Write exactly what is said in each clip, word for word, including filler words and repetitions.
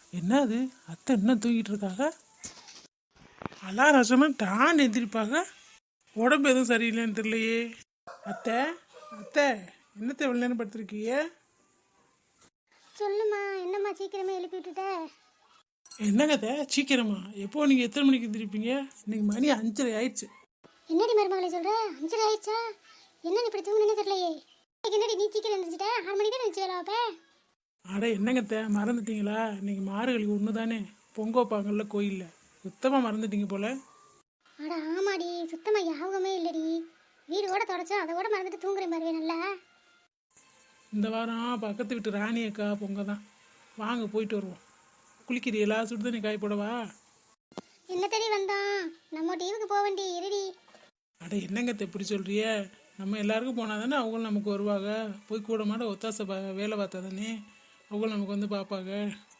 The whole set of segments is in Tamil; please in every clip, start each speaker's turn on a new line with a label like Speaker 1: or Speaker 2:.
Speaker 1: என்ன அது? அத்தை என்ன தூங்கிட்டு இருக்காங்க? அலாரம் சொன்னா தான் எந்திரிப்பாங்க. உடம்பு எதுவும் சரியில்லைன்னு தெரியலையே. அத்தை அத்தை என்னத்தை எவ்வளோ நேரம் படுத்திருக்கீங்க?
Speaker 2: சொல்லுமா, என்னம்மா சீக்கிரமே எழுப்பி விட்டுட்ட?
Speaker 1: என்னங்க அத்தை சீக்கிரமா? எப்போ நீங்கள் எத்தனை மணிக்கு எந்திரிப்பீங்க? இன்னைக்கு மணி அஞ்சரை ஆயிடுச்சு.
Speaker 2: என்னடி மருமகளை சொல்ற? அஞ்சரை ஆயிடுச்சா? என்ன இப்படி தூங்குனே தெரியலையே. இன்னைக்கு என்னடி நீ சீக்கிரம் எழுந்திரிச்சிட்ட? ஆறு மணிக்கு தான் எழுந்துச்சு வேலை வைப்ப.
Speaker 1: அட என்னங்க அத்தை மறந்துட்டீங்களா? இன்னைக்கு மார்கழி ஒன்று தானே, பொங்க வைப்பாங்கல்ல கோயிலில். சுத்தமாக மறந்துட்டீங்க போல.
Speaker 2: அட ஆமாடி, சுத்தமா ஞாபகமே இல்லடி. வீடு கூட தொடச்சோம், அதை கூட மறந்துட்டு தூங்குறேன் பாருவே. நல்லா
Speaker 1: இந்த வாரம் பக்கத்து வீட்டு ராணி அக்கா பொங்க தான். வாங்க போயிட்டு வருவோம். குளிக்கிறீங்களா? சுடுதண்ணி காய போடவா?
Speaker 2: என்ன தேடி வந்தான்? நம்ம டீவுக்கு போக வேண்டி இருடி.
Speaker 1: அட என்னங்க அத்தை இப்படி சொல்றிய? நம்ம எல்லாருக்கும் போனால் தானே அவங்களும் நமக்கு வருவாங்க. போய் கூட மாட ஒத்தாசை பா வேலை பார்த்தா தானே அவங்களும் நமக்கு வந்து பார்ப்பாங்க.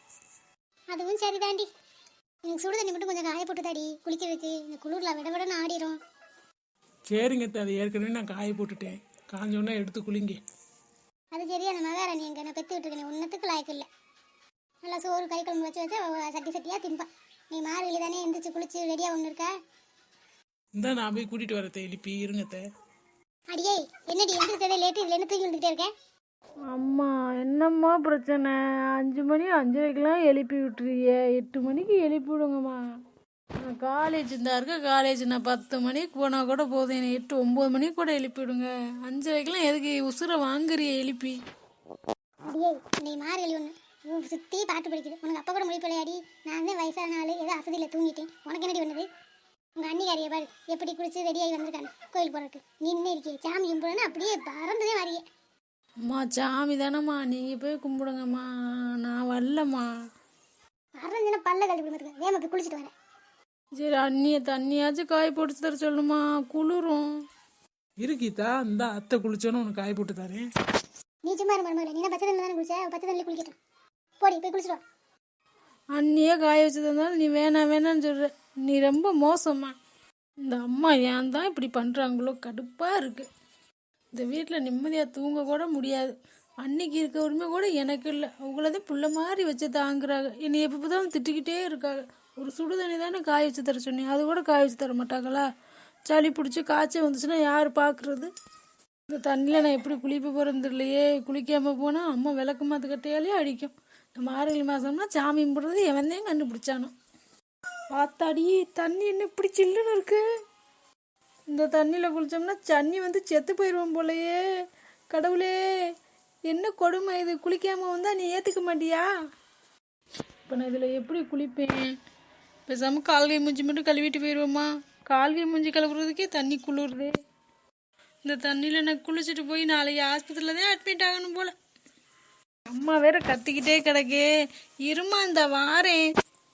Speaker 2: அதுவும் சரிதாண்டி. எனக்கு சுடு தண்ணி மட்டும் கொஞ்சம் காய போட்டு தாடி குளிக்கிறதுக்கு. இந்த குளிர்ல விட விடன்னு ஆடிரும்.
Speaker 1: சரிங்க அத்தை, அதை ஏற்கனவே நான் காய போட்டுட்டேன். காஞ்சோன்னா எடுத்து குளிங்க.
Speaker 2: அது சரி, அந்த மகாராணி எங்க நான் பெற்று விட்டுருக்கேன், ஒன்றத்துக்கு லாய்க்கு இல்லை. நல்லா சோறு கறி குழம்பு வச்சு வச்சா அவ சட்டி சட்டியாக திம்பா. நீ மார்கழி தானே எந்திரிச்சு குளிச்சு ரெடியாக ஒன்று இருக்கா?
Speaker 1: இந்த நான் போய் கூட்டிகிட்டு வரத்தை எழுப்பி இருங்கத்தை.
Speaker 2: அடியே என்னடி எந்திரிச்சதே லேட்டு, இதில் என்ன தூக்கி வந்துக்கிட்டே இருக்கேன்?
Speaker 3: அம்மா என்னம்மா பிரச்சனை? அஞ்சு மணி அஞ்சரைக்கெலாம் எழுப்பி விட்டுருவிய, எட்டு மணிக்கு எழுப்பி விடுங்கம்மா. நான் காலேஜ் இருந்தா இருக்க, காலேஜ் நான் பத்து மணிக்கு போனால் கூட போதும், என்னை எட்டு ஒம்பது மணிக்கு கூட எழுப்பி விடுங்க. அஞ்சரைக்கெலாம் எதுக்கு உசுரை வாங்குறிய எழுப்பி?
Speaker 2: அடியே நீ மார்கழி ஒன்று சுற்றி பாட்டு படிக்குது. உனக்கு அப்போ கூட முடிப்பலையாடி? நான் தான் வயசான நாள், ஏதோ அசதியில் தூங்கிட்டேன். உனக்கு என்னடி பண்ணுது? உங்கள் அன்னிக்காரியை பாரு எப்படி குளிச்சு ரெடியாகி வந்திருக்காங்க கோயில் போகிறதுக்கு. நீ இன்னும் இருக்கியே சாமி கும்பிடுன்னு அப்படியே பறந்துதே வரையே.
Speaker 3: அம்மா சாமி தானம்மா, நீங்கள் போய் கும்பிடுங்கம்மா, நான் வரலம்மா.
Speaker 2: பறந்துன்னா பல்ல கழுவி விடுறதுக்கு வேமா போய் குளிச்சுட்டு வரேன்.
Speaker 3: சரி அண்ணியை தண்ணியாச்சும் காய் போட்டு தர சொல்லுமா, குளிரும்.
Speaker 1: இருக்கீதா இந்த அத்தை குளிச்சோன்னு உனக்கு காய போட்டு தரேன்.
Speaker 2: நீ சும்மா இருக்க மருமகளே, நீ பச்சை தண்ணி தானே குளிச்ச, பச்சை தண்ணியில் குளிக்கட்டும். போடி போய் குளிச்சுட்டு வா.
Speaker 3: அண்ணியே காய வச்சு தந்தாலும் நீ வேணாம் வேணான்னு சொல்கிற. நீ ரொம்ப மோசம்மா. இந்த அம்மா ஏன் தான் இப்படி பண்ணுறாங்களோ, கடுப்பாக இருக்குது. இந்த வீட்டில் நிம்மதியாக தூங்க கூட முடியாது. அன்னைக்கு இருக்க உரிமை கூட எனக்கு இல்லை. அவங்களதே புள்ள மாதிரி வச்சு தாங்குறாங்க. என்னை எப்போ பார்த்தாலும் திட்டிக்கிட்டே இருக்காங்க. ஒரு சுடு தண்ணி தானே காய வச்சு தர சொன்னேன், அது கூட காய வச்சு தர மாட்டாங்களா? சளி பிடிச்சி காய்ச்சல் வந்துச்சுன்னா யார் பார்க்குறது? இந்த தண்ணியில் நான் எப்படி குளிப்ப போகிறேன்னு தெரியலையே. குளிக்காமல் போனால் அம்மா விளக்கு மாற்று கட்டையாலே அடிக்கும். இந்த மார்கழி மாதம்னா சாமி கும்பிட்றது எவன் தான் கண்டுபிடிச்சானோ. பார்த்தாடி தண்ணி என்ன இப்படி சில்லுன்னு இருக்கு. இந்த தண்ணியில் குளித்தோம்னா தண்ணி வந்து செத்து போயிடுவோம் போலையே. கடவுளே என்ன கொடுமை இது! குளிக்காமல் வந்தால் நீ ஏற்றுக்க மாட்டியா? இப்போ நான் இதில் எப்படி குளிப்பேன்? பேசாமல் கால்கை மூஞ்சி மட்டும் கழுவிட்டு போயிடுவோமா? கால்கை மூஞ்சி கழுவுறதுக்கே தண்ணி குளிருது. இந்த தண்ணியில் நான் குளிச்சுட்டு போய் நாளைக்கு ஆஸ்பத்திரியில் தான் அட்மிட் ஆகணும் போல். அம்மா வேற கத்திக்கிட்டே கிடக்கே. இருமா இந்த வாரேன்.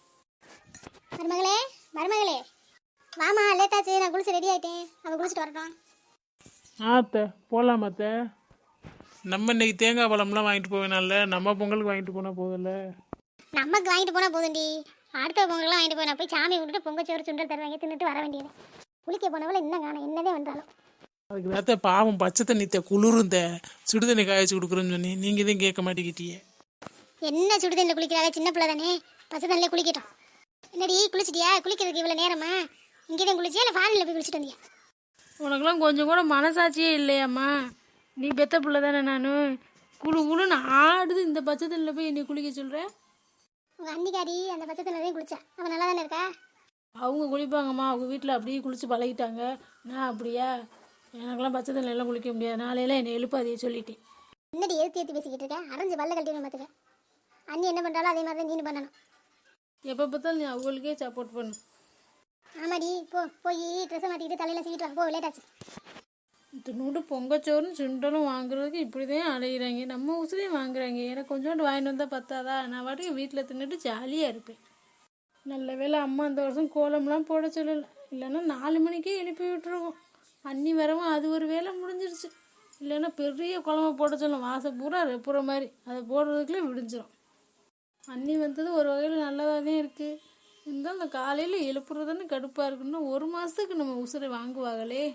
Speaker 2: மருமகளே மருமகளே வாமா, லேட்டாச்சு. நான் குளிச்சு ரெடி ஆகிட்டேன், அவள் குளிச்சுட்டு வரட்டும்.
Speaker 1: ஆ அத்தை போகலாம் அத்தை. நம்ம இன்னைக்கு தேங்காய் பழம்லாம் வாங்கிட்டு போவேனால, நம்ம பொங்கலுக்கு வாங்கிட்டு போனால் போதில்ல.
Speaker 2: நமக்கு வாங்கிட்டு போனால் போதுண்டி. அடுத்த பொங்கல்லாம் வாங்கிட்டு போய் நான் போய் சாமி விட்டுட்டு பொங்கச்சோறு சுண்டல் தருவாங்க தின்னுட்டு வர வேண்டியது. குளிக்க போனவள இன்னும் காணும், என்னதே வந்தாலும்.
Speaker 1: அதுக்கு வேத்த பாவம் பச்சை தண்ணித்த குளிருந்த சுடு தண்ணி காய வச்சு கொடுக்குறேன்னு சொன்னி நீங்கள் தான் கேட்க மாட்டேங்கிட்டியே.
Speaker 2: என்ன சுடு தண்ணியில் குளிக்கிறாங்க? சின்ன பிள்ளை தானே, பச்சை தண்ணியில் குளிக்கட்டும். என்னடி குளிச்சிட்டியா? குளிக்கிறதுக்கு இவ்வளோ நேரமா? இங்கே தான் குளிச்சியா இல்லை ஃபாரினில் போய் குளிச்சுட்டு வந்தியா?
Speaker 3: உனக்குலாம் கொஞ்சம் கூட மனசாட்சியே இல்லையாம்மா? நீ பெத்த பிள்ளை தானே. நான் குழு குழுன்னு ஆடுது இந்த பச்சை தண்ணியில் போய் என்னை குளிக்க சொல்கிறேன்.
Speaker 2: உங்கள் அன்னிக்காரி அந்த பச்சை தண்ணியில் தான் குளிச்சா, அவன் நல்லா தானே இருக்கா?
Speaker 3: அவங்க குளிப்பாங்கம்மா, அவங்க வீட்டில் அப்படியே குளித்து பழகிட்டாங்க. நான் அப்படியா? எனக்கெல்லாம் பச்சை தண்ணியெல்லாம் குளிக்க முடியாது. நாளையெல்லாம் என்னை எழுப்பாதையே சொல்லிட்டேன்.
Speaker 2: என்னடி எழுத்து ஏற்றி பேசிக்கிட்டு இருக்கேன்? அரைஞ்சு பல்ல கட்டிடணும் பார்த்துக்க. அண்ணி என்ன பண்ணுறாலும் அதே மாதிரி தான் நீனு பண்ணணும்.
Speaker 3: எப்போ பார்த்தாலும் நீ அவங்களுக்கே சப்போர்ட் பண்ணு.
Speaker 2: ஆமாடி, போ போய் ட்ரெஸ்ஸை மாற்றிக்கிட்டு தலையில் சீக்கிட்டு வா, போ லேட்டாச்சு.
Speaker 3: இத்தினோடு பொங்கச்சோறும் சுண்டலும் வாங்குறதுக்கு இப்படி தான் அலைகிறாங்க. நம்ம உசுரையும் வாங்குறாங்க. எனக்கு கொஞ்சோண்டு வாங்கிட்டு வந்தால் பத்தாதா? நான் வாட்டுக்கு வீட்டில் தின்னுட்டு ஜாலியாக இருப்பேன். நல்ல வேளை அம்மா இந்த வருஷம் கோலம்லாம் போட சொல்லலை, இல்லைன்னா நாலு மணிக்கே எழுப்பி விட்டுருவோம். அன்னி வரவும் அது ஒரு வேலை முடிஞ்சிருச்சு. இல்லைன்னா பெரிய குழம்பு போட சொல்லும், வாசம் பூரா ரெப்புற மாதிரி. அதை போடுறதுக்குள்ளே விடிஞ்சிடும். அன்னி வந்தது ஒரு வகையில் நல்லதாக தான் இருக்குது. இருந்தாலும் அந்த காலையில் எழுப்புறதுன்னு கடுப்பாக இருக்குன்னா ஒரு மாதத்துக்கு நம்ம உசுரை வாங்குவாங்களே.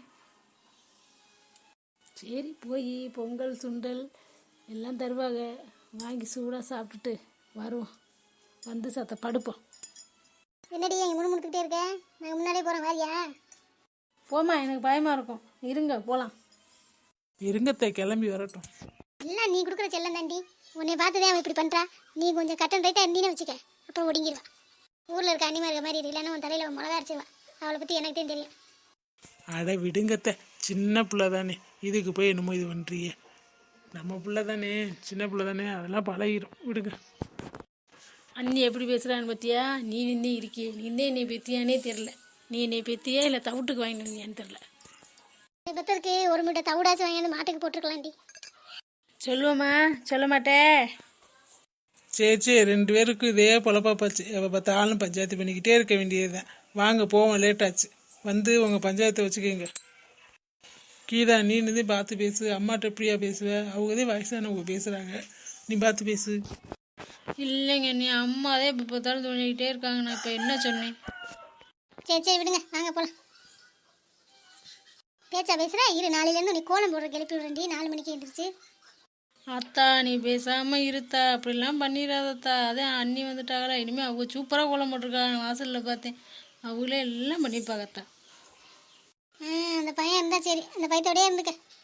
Speaker 3: சரி போய் பொங்கல் சுண்டல் எல்லாம் தருவாங்க, வாங்கி சூடாக சாப்பிட்டுட்டு வருவோம். வந்து சத்த படுப்போம்.
Speaker 2: என்னடி எங்க முணு முணுத்துக்கிட்டே இருக்க? நாங்கள் முன்னாடியே போகிறோம் வாரியா?
Speaker 3: போமா, எனக்கு பயமாக இருக்கும். இருங்க போகலாம்.
Speaker 1: இருங்கத்தை கிளம்பி வரட்டும்.
Speaker 2: எல்லாம் நீ கொடுக்குற செல்லம் தாண்டி. உன்னை பார்த்துதான் அவன் இப்படி பண்ணுறா. நீ கொஞ்சம் கட்டன் ரைட்டாக இருந்தீன்னு வச்சுக்க, அப்புறம் ஒடுங்கிடுவா. ஊரில் இருக்க அன்னிமா இருக்க மாதிரி இல்லைன்னா உன் தலையில் மிளகா அரைச்சிடுவா. அவளை பற்றி எனக்கு தான் தெரியும்.
Speaker 1: அட விடுங்கத்தை, சின்ன பிள்ளை தானே, இதுக்கு போய் என்னமோ இது பண்ணுறியே. நம்ம பிள்ளை தானே, சின்ன பிள்ளை தானே, அதெல்லாம் பழகிடும், விடுங்க.
Speaker 3: அண்ணி எப்படி பேசுகிறான்னு பார்த்தியா? நீ நின்று இருக்கியே, நீ நின்று என்னை பெத்தியானே தெரில. நீ என்னை பெத்தியா இல்லை தவிட்டுக்கு வாங்கிட்டு வந்தியான்னு தெரில.
Speaker 2: பத்தருக்கு ஒரு மூட்டை தவிடாச்சும் வாங்கி மாட்டுக்கு போட்டிருக்கலாண்டி.
Speaker 3: சொல்லுவோம்மா, சொல்ல மாட்டே.
Speaker 1: சரி சரி, ரெண்டு பேருக்கும் இதே பொழப்பா போச்சு. எப்போ பார்த்தாலும் பஞ்சாயத்து பண்ணிக்கிட்டே இருக்க வேண்டியது தான். வாங்க போவோம், லேட்டாச்சு. வந்து உங்கள் பஞ்சாயத்தை வச்சுக்கோங்க. கீதா, நீ நின்று பார்த்து பேசு. அம்மாட்ட எப்படியா பேசுவ? அவங்கதே வயசானவங்க பேசுகிறாங்க, நீ பார்த்து பேசு.
Speaker 3: இல்லைங்க, நீ அம்மாதே இப்போ பார்த்தாலும் தோணிக்கிட்டே இருக்காங்க. நான் இப்போ என்ன சொன்னேன்?
Speaker 2: சரி சரி விடுங்க, வாங்க போகலாம். பேச்சா பேசுகிற இரு, நாளையிலேருந்து நீ கோலம் போடுற கிளப்பி விடுறேன்டி. நாலு மணிக்கு எழுந்திரிச்சு.
Speaker 3: அத்தா நீ பேசாமல் இருத்தா, அப்படிலாம் பண்ணிடாதத்தா. அதே அண்ணி வந்துட்டாங்களா, இனிமேல் அவங்க சூப்பராக கோலம் போட்டிருக்காங்க. வாசலில் பார்த்தேன், அவங்களே எல்லாம் பண்ணிப்பாங்கத்தா.
Speaker 2: ஆ, அந்த பையன் இருந்தால் சரி, அந்த பையத்தோடயே இருந்துக்க.